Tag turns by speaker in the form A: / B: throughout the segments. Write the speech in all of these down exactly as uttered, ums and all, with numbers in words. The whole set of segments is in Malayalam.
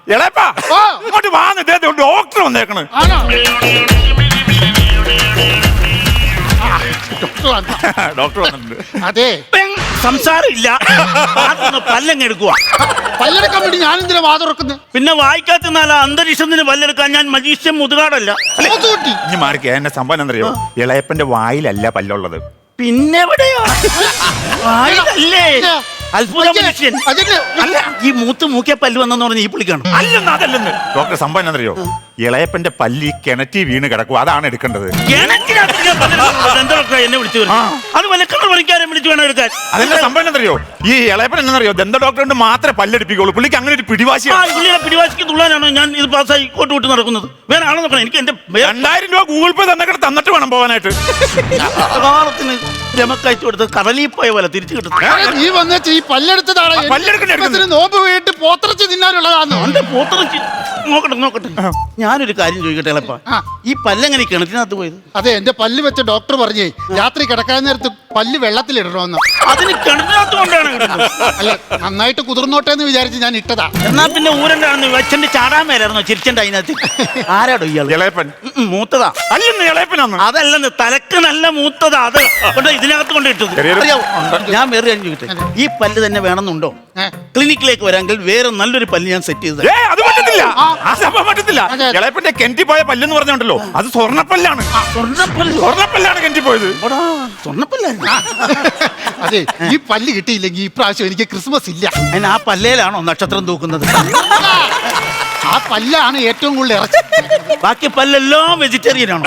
A: എളേപ്പാ ഇങ്ങോട്ട് വാന്ന് ഡോക്ടർ വന്നേക്കണ്. ഡോക്ടർ വന്നിട്ടുണ്ട്.
B: അതെ
C: സംസാരം ഇല്ല, പല്ലങ്ങ് എടുക്കുക.
B: പല്ലെടുക്കാൻ വേണ്ടി ഞാൻ എന്തിനാ വാതുറക്കുന്നത്?
C: പിന്നെ വായിക്കാത്ത അന്തരീക്ഷത്തിന് പല്ലെടുക്കാൻ ഞാൻ മജീഷ്യൻ മുതുകാടല്ല.
A: ഇനി മാറിക്ക. എന്നെ സംഭവം എന്തറിയോ, ഇളയപ്പന്റെ വായിലല്ല പല്ലുള്ളത്.
C: പിന്നെ എവിടെയാ? വായിലല്ലേ? അത്ഭുത മനുഷ്യൻ. അല്ല, ഈ മൂത്ത് മൂക്കിയ പല്ല് വന്നെന്ന് പറഞ്ഞ ഈ പുള്ളിക്കാണ്.
A: അല്ലെന്ന് അതല്ലെന്ന് ഡോക്ടർ സംഭവം എന്തറിയോ, ഇളയപ്പന്റെ പല്ലി കിണറ്റി വീണ് കിടക്കും, അതാണ് എടുക്കേണ്ടത്.
C: എന്നെ വിളിച്ചു അത് വലക്കണ പണിക്കാരെ വിളിച്ചു വേണം എടുക്കാൻ.
A: അതെന്താ സംഭവം എന്തറിയോ, ഈ ഇളയപ്പൻ എന്നറിയോ ദന്ത ഡോക്ടറിന്റെ മാത്രമേ പല്ലെടുപ്പിക്കുള്ളൂ. പുള്ളിക്ക് അങ്ങനെ ഒരു പിടിവാശിയാണ്.
C: പുള്ളിയെ പിടിവാശിക്ക് തുള്ളാനാണ് ഞാൻ ഇത് പാസ്സായി കോട്ട് വിട്ട് നടക്കുന്നത്. വേറെ ആളെ നോക്കണം. എനിക്ക് എന്റെ
A: രണ്ടായിരം രൂപ ഗൂഗിൾ പേ തന്നെ തന്നിട്ട് വേണം പോകാനായിട്ട്.
C: കാലത്തിന് രമക്കയച്ചു കൊടുത്ത് കടലിൽ പോയ പോലെ തിരിച്ചു കിട്ടും.
B: നീ വന്ന ഈ പല്ലെടുത്തതാണ് നോമ്പ് വീട്ട് പോത്തിറച്ചി തിന്നാനുള്ളതാണോ?
C: പോത്തിറച്ചി നോക്കട്ടെ നോക്കട്ടെ. ഞാനൊരു കാര്യം ചോദിക്കട്ടെ എളപ്പാ, ഈ പല്ലെങ്ങനെ കിണറ്റിനകത്ത് പോയത്?
B: അതെ, എന്റെ പല്ല് വെച്ച ഡോക്ടർ പറഞ്ഞേ രാത്രി കിടക്കാൻ നേരത്ത് പല്ല് വെള്ളത്തിലിടണമെന്ന്.
C: അതിന് കിണറ്റിനകത്ത് കൊണ്ടാണ് ഇടുന്നത്.
B: അല്ല, നന്നായിട്ട് കുതിർന്നോട്ടെ എന്ന് വിചാരിച്ച് ഞാൻ ഇട്ടതാ.
C: എന്നാ പിന്നെ ഊരണ്ടാണെന്ന് വെച്ചന്റെ ചാടാൻ മേലായിരുന്നോ ചിരിച്ചന്റെ അതിനകത്ത്? ആരാടോ ഇയാൾ?
A: ഇളയപ്പൻ
C: മൂത്തതാ.
A: അല്ലെന്ന് ഇളയപ്പനാന്ന്.
C: അതല്ലെന്ന്, തലക്ക് നല്ല മൂത്തതാ. അത് കൊണ്ട് ഇതിനകത്ത് കൊണ്ട് ഇട്ടത്. ഞാൻ വേറെ കാര്യം ചോദിക്കട്ടെ, ഈ പല്ല് തന്നെ വേണമെന്നുണ്ടോ? ക്ലിനിക്കിലേക്ക് വരാമെങ്കിൽ വേറെ നല്ലൊരു പല്ല് ഞാൻ സെറ്റ് ചെയ്തത്.
A: അത് പറ്റത്തില്ല, ആ സംഭവം പറ്റത്തില്ല. ഇളയപ്പന്റെ കെന്റി പോയ പല്ലെന്ന് പറഞ്ഞുണ്ടല്ലോ, അത് സ്വർണ്ണപ്പല്ലാണ്.
C: സ്വർണ്ണപ്പല്ല്
A: സ്വർണ്ണപ്പല്ലാണ് കെന്റി പോയത്.
C: സ്വർണ്ണപ്പല്ലായിരുന്നു.
B: അതെ, ഈ പല്ല് കിട്ടിയില്ലെങ്കിൽ ഈ പ്രാവശ്യം എനിക്ക് ക്രിസ്മസ് ഇല്ല.
C: അതിന് ആ പല്ലേലാണോ നക്ഷത്രം തൂക്കുന്നത്?
B: ആ പല്ലാണ് ഏറ്റവും കൂടുതൽ ഇറച്ചി.
C: ബാക്കി പല്ലെല്ലാം വെജിറ്റേറിയൻ ആണോ?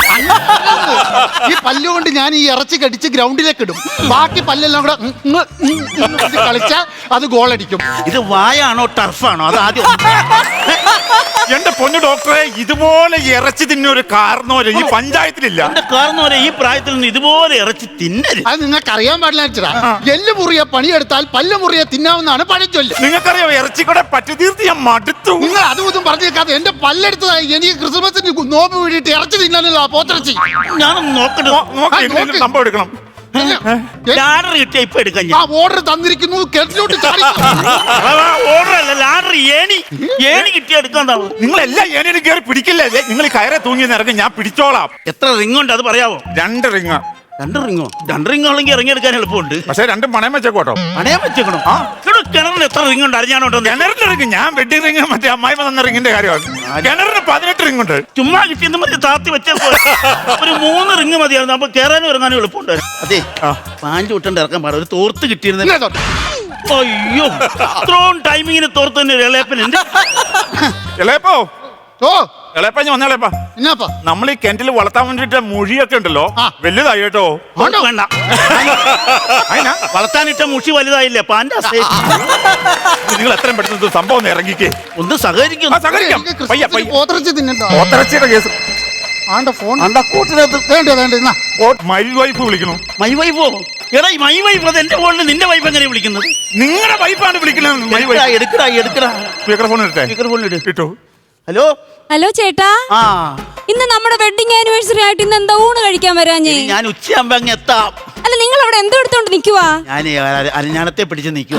B: ഈ പല്ലുകൊണ്ട് ഞാൻ ഈ ഇറച്ചി കടിച്ച് ഗ്രൗണ്ടിലേക്ക് ഇടും. ബാക്കി പല്ലെല്ലാം കൂടെ കളിച്ചാൽ അത് ഗോളടിക്കും.
C: ഇത് വായാണോ ടർഫാണോ? അത് ആദ്യം.
A: എന്റെ പൊന്നു ഡോക്ടറെ, ഇതുപോലെ ഇറച്ചി തിന്നൊരു കാരണവരെ ഈ പഞ്ചായത്തിലില്ല.
C: എന്റെ കാരണവരെ ഈ പ്രായത്തിൽ നിന്ന് ഇതുപോലെ ഇറച്ചി തിന്നരുത്.
B: അത് നിങ്ങൾക്ക് അറിയാൻ പാടില്ല. എല്ല് മുറിയെ പണിയെടുത്താൽ പല്ല് മുറിയെ തിന്നാവുന്നതാണ് പഴഞ്ചൊല്ല്.
A: നിങ്ങൾക്കറിയോ, ഇറച്ചിക്കൂടെ പറ്റി തീർത്ത് ഞാൻ മടുത്തു.
B: നിങ്ങൾ അതും ഇതും പറഞ്ഞേക്കാതെ എന്റെ പല്ലെടുത്തതായി എനിക്ക് ക്രിസ്മസിന് നോമ്പ് വീടിയിട്ട് ഇറച്ചി തിന്നാനുള്ള പോത്തിറച്ചി.
C: ഞാനൊന്ന് നോക്കട്ടെ.
A: സംഭവം എടുക്കണം.
C: ലാഡർ കിട്ടിയ ഇപ്പൊ എടുക്കാൻ.
B: ആ ഓർഡർ തന്നിരിക്കുന്നു, കെട്ടിലോട്ട്
C: ഓർഡർ അല്ല, ലാഡർ ഏണി ഏണി കിട്ടിയ എടുക്കാൻ.
A: നിങ്ങൾ എല്ലാം ഏണിയും കയറി പിടിക്കില്ലേ? നിങ്ങൾ കയറെ തൂങ്ങി ഇറങ്ങി, ഞാൻ പിടിച്ചോളാം.
C: എത്ര റിംഗ് ഉണ്ട് അത് പറയാവോ?
A: രണ്ട് റിങ്.
C: രണ്ട് റിങ്ങോ? രണ്ട് റിംഗ് ആണെങ്കിൽ ഇറങ്ങിയെടുക്കാൻ എളുപ്പമുണ്ട്.
A: പക്ഷെ രണ്ടും പണയം വെച്ചേക്കോട്ടോ.
C: പണയം വെച്ചേക്കണോ? ആ കിണറിന് എത്ര റിംഗ് ഉണ്ട് അറിഞ്ഞാണോട്ടോ?
A: കിണറിന്റെ റിങ് ഞാൻ വെഡിങ് റിങ് മറ്റേ അമ്മായി തന്ന റിങ്ങിന്റെ കാര്യമാണ്. കിണറിന് പതിനെട്ട് റിങ് ഉണ്ട്.
C: ചുമ്മാ കിട്ടിയെന്ന് മതി താത്തി വെച്ചപ്പോ ഒരു മൂന്ന് റിങ് മതിയായിരുന്നു. അപ്പൊ കയറാനും ഇറങ്ങാനും എളുപ്പമുണ്ട്. അതെ, പാഞ്ചു വിട്ടണ്ട് ഇറക്കാൻ പാടില്ല. ഒരു തോർത്ത് കിട്ടിയിരുന്ന. അയ്യോ, ഇത്രയും ടൈമിങ്ങിന് തോർത്ത് തന്നെ ഇളയപ്പനുണ്ട്.
A: ഇളയപ്പോ
B: ഓ
A: ഇളയപ്പ വന്നേളേപ്പാ.
B: എന്നാപ്പാ
A: നമ്മൾ ഈ കിണറ്റിൽ വളർത്താൻ വേണ്ടിട്ട് മൊഴിയൊക്കെ ഉണ്ടല്ലോ, വലുതായി കേട്ടോ.
C: വേണ്ട, വളർത്താനിട്ട മുഷി വലുതായില്ലേ പാൻ്റെ.
A: നിങ്ങൾ എത്രയും പെട്ടെന്ന് സംഭവം ഒന്ന് ഇറങ്ങിക്കേ.
C: ഒന്ന് സഹകരിക്കും.
B: പോത്തിറച്ചി തിന്നണ്ടോ?
A: പോത്തിറച്ചിയുടെ കേസ്
B: ആണ്ട ഫോൺ
C: കൂട്ടിനകത്ത്
A: മൈ വൈഫ് വിളിക്കണു.
C: മൈ വൈഫോ? എടാ, മൈ വൈഫ് അത് എന്റെ ഫോണിൽ നിന്റെ വൈഫ് എങ്ങനെ വിളിക്കുന്നത്?
A: നിങ്ങളുടെ വൈഫാണ് വിളിക്കുന്നത്. My wife.
C: എടുക്കടാ എടുക്കടാ.
A: സ്പീക്കർ ഫോൺ എടുത്തേ.
C: സ്പീക്കർ ഫോൺ ഇട്.
A: കിട്ടോ?
D: ഹലോ ഹലോ ചേട്ടാ,
C: ആ
D: ഇന്ന് നമ്മുടെ വെഡിങ് ആനിവേഴ്സറി ആയിട്ട് ഇന്ന് എന്താ ഊണ് കഴിക്കാൻ വരാഞ്ഞേ?
C: ഞാൻ ഉച്ചയാകുമ്പോ അങ്ങ് എത്താം.
D: അല്ല, നിങ്ങൾ അവിടെ എന്തോ എടുത്തോണ്ട് നിക്കുവാ?
C: ഞാൻ അരഞ്ഞാണത്തെ പിടിച്ച് നിക്കുവാ.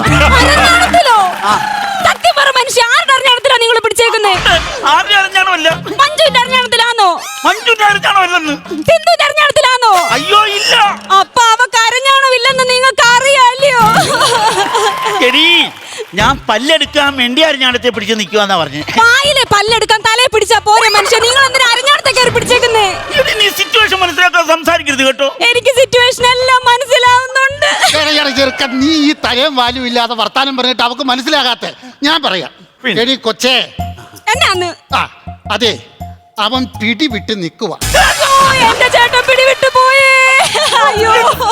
D: സത്യം പറ മനുഷ്യ, ആരുടെ അരഞ്ഞാണത്തിലാ നിങ്ങൾ പിടിച്ചേക്കുന്നേ?
C: ആരുടെ അരഞ്ഞാണോ? അല്ല,
D: മഞ്ജുവിന്റെ അരഞ്ഞാണത്തിലാണോ?
C: മഞ്ജുവിന്റെ അരഞ്ഞാണോ അല്ലെന്ന്?
D: സിന്ധുവിന്റെ അരഞ്ഞാണത്തിലാണോ?
C: അയ്യോ ഇല്ല.
D: അപ്പൊ അവക്ക് അരഞ്ഞാണോ ഇല്ലെന്ന് നിങ്ങൾക്ക് അറിയാല്ലയോ?
C: ശരി, ഞാൻ പല്ലെടുക്കാൻ വേണ്ടി അരഞ്ഞാണത്തെ പിടിച്ച് നിക്കുവാന്നാ പറഞ്ഞു.
D: വായിലെ പല്ലെടുക്കാൻ തലയെ പിടിച്ചാ പോരെ മനുഷ്യ, നിങ്ങൾ എന്തിനാ അരഞ്ഞാണത്തെ കയറി പിടിച്ചേക്കുന്നേ?
C: നീ സിറ്റുവേഷൻ മനസ്സിലാക്കാൻ സംസാരിക്കരുത് കേട്ടോ.
D: എനിക്ക് സിറ്റുവേഷൻ എല്ലാം മനസ്സിലാവുന്നുണ്ട്.
B: ചെറുക്കൻ, നീ ഈ തലയും വാലും ഇല്ലാതെ വർത്താനം പറഞ്ഞിട്ട് അവക്ക് മനസ്സിലാകാത്ത ഞാൻ പറയാം. എടി കൊച്ചേ,
D: എന്നാന്ന്?
B: ആ അതെ, അവൻ പിടി വിട്ട് നിൽക്കുക.
D: എന്റെ ചേട്ടൻ പിടി വിട്ടു പോയേ. അയ്യോ,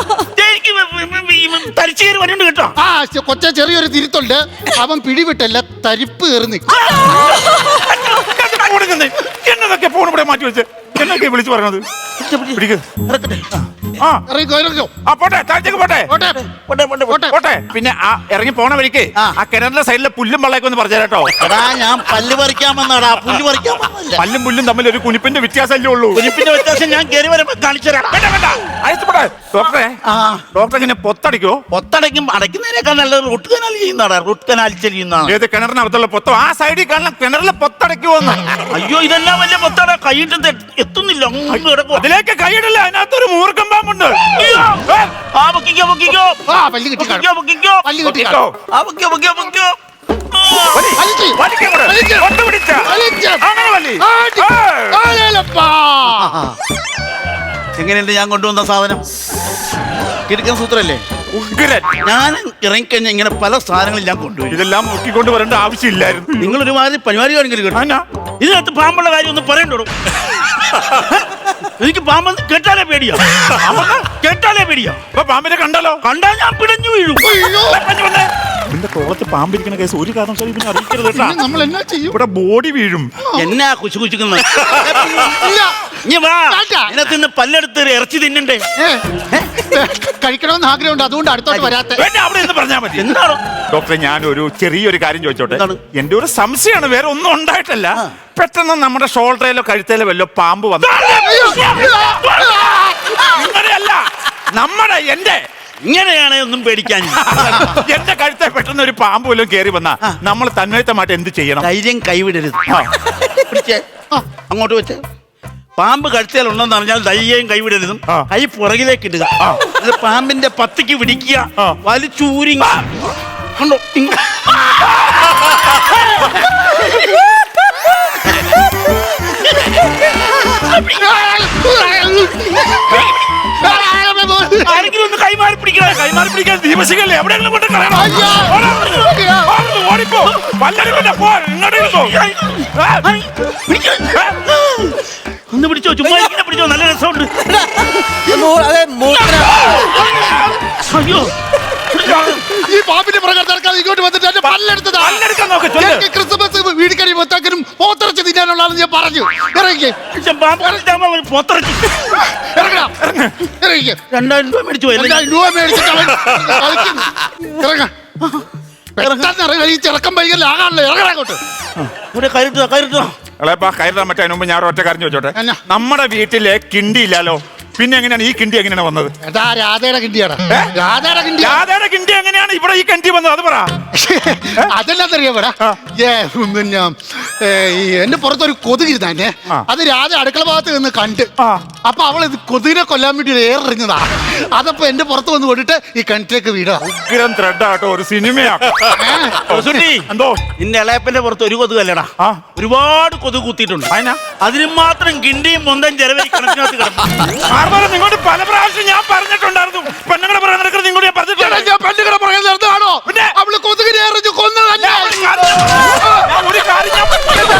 C: തരിച്ചേരി വരുന്നുണ്ട് കേട്ടോ.
B: ആ കൊച്ചെ, ചെറിയൊരു തിരുത്തുണ്ട്. അവൻ പിടിവിട്ടല്ല, തരിപ്പ് കയറി നിൽക്കും.
A: എന്നതൊക്കെ ഫോൺ ഇവിടെ മാറ്റി വെച്ച് എന്നൊക്കെ വിളിച്ചു പറഞ്ഞത്? പിടിക്ക്.
C: ഇറക്കട്ടെ.
A: ആ
B: ഇറങ്ങിക്കോ ഇറങ്ങിക്കോ
A: ആ പോട്ടെ, താഴത്തേക്ക് പോട്ടെ.
B: പോട്ടെ
C: പോട്ടെ, പോട്ടെ, പോട്ടെ.
A: പോട്ടെ. പിന്നെ ആ ഇറങ്ങി പോണ വഴിക്ക്
C: ആ.
A: ആ കിണറിന്റെ സൈഡിലെ പുല്ലും വെള്ളയൊക്കെ ഒന്ന് പറഞ്ഞു കേട്ടോ.
C: എടാ ഞാൻ പല്ല് പറിക്കാൻ വന്നാടാ, പുല്ല് പറിക്കാൻ വന്നല്ല.
A: പല്ലും പുല്ലും തമ്മിൽ ഒരു കുനിപ്പിന്റെ വ്യത്യാസമല്ലേ ഉള്ളൂ.
C: കുരിപ്പിന്റെ വ്യത്യാസം ഞാൻ കയറി വരുമ്പോ കാണിച്ചു തരാം.
A: വേണ്ട, വേണ്ട. അയച്ചു പോട്ടെ. ഡോക്ടറെ,
C: ആ
A: ഡോക്ടർ ഇങ്ങനെ പൊത്തടിക്കോ?
C: പൊത്തടയ്ക്കും അടയ്ക്കുന്നതിനേക്കാൾ നല്ല റൂട്ട് കനാൽ ചെയ്യുന്നതാണ്. റൂട്ട് കനാൽ ചെയ്യുന്നതാണ്.
A: ഏത് കിണറിനകത്തുള്ള പൊത്തോ? ആ സൈഡിൽ കാണുന്ന കിണറിലെ പൊത്തടയ്ക്കുവോന്ന്.
C: അയ്യോ ഇതെല്ലാം വലിയ പൊത്തട കൈയിട്ട് എത്തുന്നില്ല. അങ്ങ് കിടക്കുവാ.
A: അതിലേക്ക് കൈയിടില്ല, അതിനകത്തൊരു മൂർഖം പാമ്പുണ്ട്.
C: അയ്യോ. ആ പൊക്കിക്കോ പൊക്കിക്കോ
B: ആ പല്ല് കിട്ടി
C: പൊക്കിക്കോ പൊക്കിക്കോ
B: പല്ല് കിട്ടി
A: പൊക്കിക്കോ.
C: ആ പൊക്കിക്കോ പൊക്കിക്കോ പൊക്കിക്കോ.
A: വലി.
B: വലിച്ച്.
A: വലിക്ക് അങ്ങോട്ട്.
B: വലിച്ച്.
A: ഒട്ട് പിടിച്ച.
B: വലിച്ച്.
A: അങ്ങനെ വലി.
B: ആടി.
A: ആ.
B: ആലേലപ്പാ.
C: എങ്ങനെയുണ്ട് ഞാൻ കൊണ്ടുവന്ന സാധനം? കിടക്കൻ സൂത്രല്ലേ?
A: ഉഗ്രൻ.
C: ഞാൻ ഇറങ്ങിക്കഴിഞ്ഞാൽ ഇങ്ങനെ പല സാധനങ്ങളും ഞാൻ കൊണ്ടുവരും.
A: ഇതെല്ലാം മുക്കിക്കൊണ്ട് വരേണ്ട ആവശ്യമില്ലായിരുന്നു.
C: നിങ്ങൾ ഒരുമാതിരി പരിപാടി കാണിക്കരുത് കേട്ടോ.
A: ആന്നാ?
C: ഇതിനകത്ത് പാമ്പുള്ള കാര്യം ഒന്ന് പറയണ്ടോ? എനിക്ക് പാമ്പെന്ന് കേട്ടാലേ പേടിയാ. കേട്ടാലേ പേടിയാ.
A: ഇപ്പൊ പാമ്പിനെ കണ്ടല്ലോ.
C: കണ്ടാൽ ഞാൻ പിടഞ്ഞു വീഴും.
A: നിന്റെ തോളത്ത് പാമ്പിരിക്കുന്ന കേസ് ഒരു കാരണവശാലും പിന്നെ അറിയിക്കരുത് കേട്ടാ.
B: ഇനി നമ്മൾ എന്നാ ചെയ്യും?
A: ഇവിടെ ബോഡി വീഴും.
C: എന്നാ കുശു കുശുക്കുന്നത്?
B: ഇല്ല.
C: ഇനി വാ.
B: വേണ്ട.
C: ഇതിനകത്ത് നിന്ന് പല്ലെടുത്ത് ഇറച്ചി തിന്നണ്ടേ?
B: ഏ, കഴിക്കണമെന്ന് ആഗ്രഹമുണ്ട്, അതുകൊണ്ട് അടുത്തോട്ട് വരാത്ത.
A: വേണ്ട, അവിടെ എന്ന് പറഞ്ഞാൽ മതി.
C: എന്താണോ?
A: ഡോക്ടറെ, ഞാൻ ഒരു ചെറിയൊരു കാര്യം ചോദിച്ചോട്ടെ?
C: എന്താണ്?
A: എന്റെ ഒരു സംശയമാണ്, വേറെ ഒന്നും ഉണ്ടായിട്ടല്ല. പെട്ടെന്ന് നമ്മുടെ ഷോൾഡറിലോ കഴുത്തേലോ വല്ലോ പാമ്പ് വന്നു. അങ്ങനെയല്ല, നമ്മുടെ എന്റെ
C: ഇങ്ങനെയാണ് ഒന്നും പേടിക്കാൻ.
A: എന്റെ കഴുത്തെ പെട്ടെന്ന് ഒരു പാമ്പ് വല്ലതും കയറി വന്നാ നമ്മൾ തന്മയത്തമായിട്ട് എന്ത് ചെയ്യണം?
C: ധൈര്യം കൈവിടരുത്.
A: ആ.
C: പിടിച്ചേ. അങ്ങോട്ട് വെച്ച്. പാമ്പ് കഴുത്തേലുണ്ടെന്ന് അറിഞ്ഞാൽ ധൈര്യം കൈവിടരുതും.
A: ആ.
C: കൈ പുറകിലേക്ക് ഇടുക. ഇത് പാമ്പിന്റെ പത്തിക്ക് പിടിക്കുക.
A: ആ.
C: വലിച്ചൂരി കണ്ടോ? ഇങ്ങ- ആരെങ്കിലും ഒന്ന് കൈമാറി പിടിക്കണേ.
A: കൈമാറി പിടിക്കാൻ ദീപശിഖല്ലേ എവിടെയെങ്കിലും കൊണ്ട് കളയണം.
B: അയ്യോ.
A: ഓടാ, ഓടാ, ഓടാ, ഓടിപ്പോ. പല്ലടിക്കണ്ട, പോ, ഇങ്ങോട്ട് ഇരുന്നോ.
C: ഐ, പിടിക്ക്. ഒന്ന് പിടിച്ചോ, ചുമ്മാ ഇങ്ങനെ പിടിച്ചോ, നല്ല രസമുണ്ട്. അയ്യോ
B: ഈ പാമ്പിന്റെ പ്രകാരം നടക്കാതെ ഇങ്ങോട്ട് വന്നിട്ട് എന്റെ പല്ലെടുത്തതാ.
A: പല്ലെടുക്കാൻ നോക്ക്, ചൊല്ല്.
B: എനിക്ക് ക്രിസ്മസ് വീടിക്കടി മൊത്തക്കനും പോത്തിറച്ചി തിന്നാനുള്ള ആളെന്ന് ഞാൻ പറഞ്ഞു. ഇറങ്ങി
C: പാമ്പ് കളിച്ചാകുമ്പോ അവന് പൊത്തിറച്ചി.
B: ഇറങ്ങടാ. ഇറങ്ങി
C: രണ്ടായിരം രൂപ മേടിച്ചു പോയി.
B: രണ്ടായിരം രൂപ മേടിച്ചിട്ട് അവൻ കളിക്കുന്നു. ഇറങ്ങ. പെട്ടെന്ന് ഇറങ്ങ. ഈ ചെറുക്കം വൈകല്ലേ ആകാണല്ലോ. ഇറങ്ങടാ അങ്ങോട്ട്.
C: ഇവിടെ കയറിട്ടോ കയറിട്ടോ.
A: അളേപ്പാ, കയറാൻ പറ്റാൻ മുമ്പ് ഞാൻ ഒറ്റ കാര്യം ചോദിച്ചോട്ടെ?
B: എന്നാ?
A: നമ്മുടെ വീട്ടിലെ കിണ്ടി ഇല്ലാലോ, പിന്നെ എങ്ങനെയാണ് ഈ കിണ്ടി എങ്ങനെയാണ് വന്നത്?
B: എടാ രാധയുടെ കിണ്ടിയാടാ.
A: ഏ?
B: രാധയുടെ കിണ്ടിയാ.
A: രാധയുടെ കിണ്ടി എങ്ങനെയാണ് ഇവിടെ ഈ കിണ്ടി വന്നത്? അത് പറ.
B: അതെല്ലാത്തറിയാടാ. ഏ പിന്നെ ഏ, ഈ എന്റെ പുറത്തൊരു കൊതുകിരുന്നെ.
A: ആ.
B: അത് രാധ അടുക്കള ഭാഗത്ത് നിന്ന് കണ്ട്.
A: ആ.
B: അപ്പൊ അവൾ ഇത് കൊതുകിനെ കൊല്ലാൻ വേണ്ടി ഏറെറിഞ്ഞതാ. അതപ്പോ എന്റെ പുറത്ത് വന്ന് കൊണ്ടിട്ട് ഈ കിണറ്റിലേക്ക് വീടാ.
A: ഉഗ്രം ത്രെഡാട്ടോ, ഒരു സിനിമയാ.
C: സുട്ടി,
A: എന്തോ
C: നിന്റെ ഇളയപ്പന്റെ പുറത്ത് ഒരു കൊതുകല്ലടാ,
A: ആ.
C: ഒരുപാട് കൊതുക് കുത്തിയിട്ടുണ്ട്.
A: അതിനാ?
C: അതിന് മാത്രം കിണ്ടിയും മൊന്തം ചെലവി കണക്കിനകത്ത് കിടക്കും.
A: മാർബോല, നിങ്ങളോട് പല പ്രാവശ്യം ഞാൻ പറഞ്ഞിട്ടുണ്ടായിരുന്നു. പെണ്ണുങ്ങളെ പറയാൻ നടക്കുന്നത് നിങ്ങളോട് ഞാൻ പറഞ്ഞിട്ടുണ്ട്.
B: ഞാൻ പെണ്ണുങ്ങളെ പറയുന്നത് നിർത്താണോ?
A: പിന്നെ?
B: അവള് കൊതുകിനെ എറിഞ്ഞു കൊന്നതല്ല.
A: ഞാൻ ഒരു കാര്യം ഞാൻ